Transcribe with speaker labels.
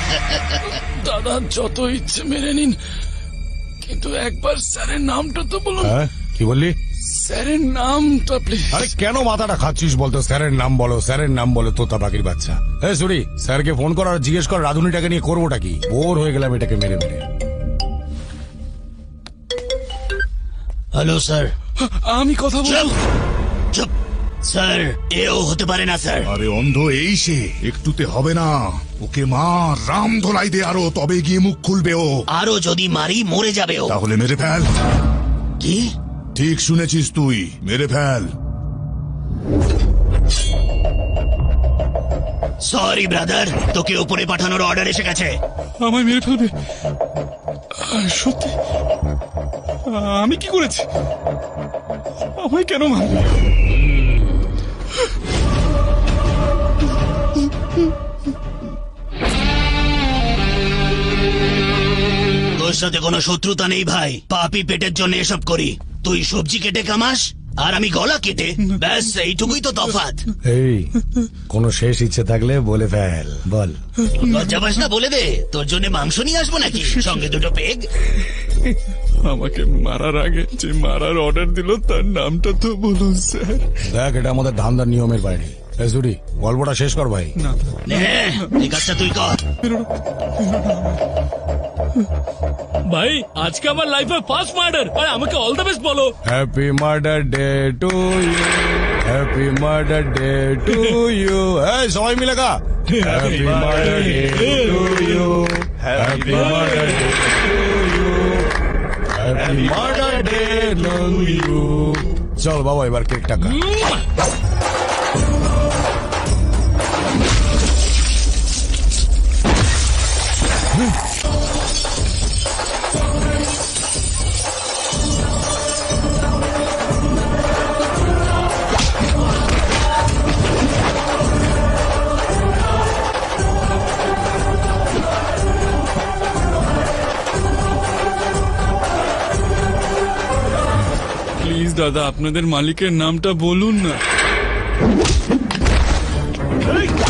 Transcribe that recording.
Speaker 1: দাদা যত ইচ্ছে মেরে নিন, কিন্তু একবার স্যারের নামটা তো বলুন।
Speaker 2: হ্যাঁ কি বললি?
Speaker 1: স্যারের নামটা প্লিজ।
Speaker 2: আরে কেন মাথাটা খাচ্ছিস বলতো? স্যারের নাম বলো, স্যারের নাম বলো, তোতা পাখির বাচ্চা। এই সুরি, স্যারকে ফোন কর আর জিজ্ঞেস কর রাধুনিটাকে নিয়ে করবোটা কি। বোর হয়ে গেলাম এটাকে মেরে মেরে।
Speaker 3: Hello sir.
Speaker 1: আমি কথা বলবো।
Speaker 3: চুপ স্যার, এও হতে পারে না স্যার।
Speaker 4: আরে অন্ধ এই সে, একটুতে হবে না। ওকে মার, রাম ধোলাই দে আরো, তবে গিয়ে মুখ খুলবে ও।
Speaker 3: আরো যদি মারি মরে যাবে ও।
Speaker 4: তাহলে মেরে ফেল।
Speaker 3: কি?
Speaker 4: ঠিক শুনেছিস তুই, মেরে ফেল।
Speaker 3: সরি ব্রাদার, তোকে উপরে পাঠানোর অর্ডার এসে গেছে।
Speaker 1: আমায় মেরে ফেলবে? সত্যি? আমি কি করেছি? আমায় কেন মারবে?
Speaker 3: তোর সাথে কোনো শত্রুতা নেই ভাই, পাপি পেটের জন্য এসব করি। তুই সবজি কেটে কামাস আর আমি গলা কেটে, ব্যাস এইটুকুই তো তফাৎ।
Speaker 2: এই কোনো শেষ ইচ্ছে থাকলে বলে ফেল, বল।
Speaker 3: লজ্জা পাস না? বলে দে, তোর জন্য মাংস নিয়ে আসবো নাকি সঙ্গে দুটো পেগ?
Speaker 1: আমাকে মারার আগে যে মারার অর্ডার দিল তার নামটা তো বলুন স্যার।
Speaker 2: দেখ এটা আমাদের ধান্দার নিয়মের বাইরে। এই সুরি, গল্পটা শেষ কর ভাই।
Speaker 3: নে, এই কাজটা তুই কর।
Speaker 5: ভাই আজকে আমার লাইফে ফার্স্ট মার্ডার, আর আমাকে অল দ্য বেস্ট বলো।
Speaker 2: Happy murder day to you, happy murder day to you. এই সবাই মিলে গা। Happy murder day to you, happy murder day to you, happy murder day to you. চল বাবা এবার কেকটা খা।
Speaker 1: প্লিজ দাদা, আপনাদের মালিকের নামটা বলুন না।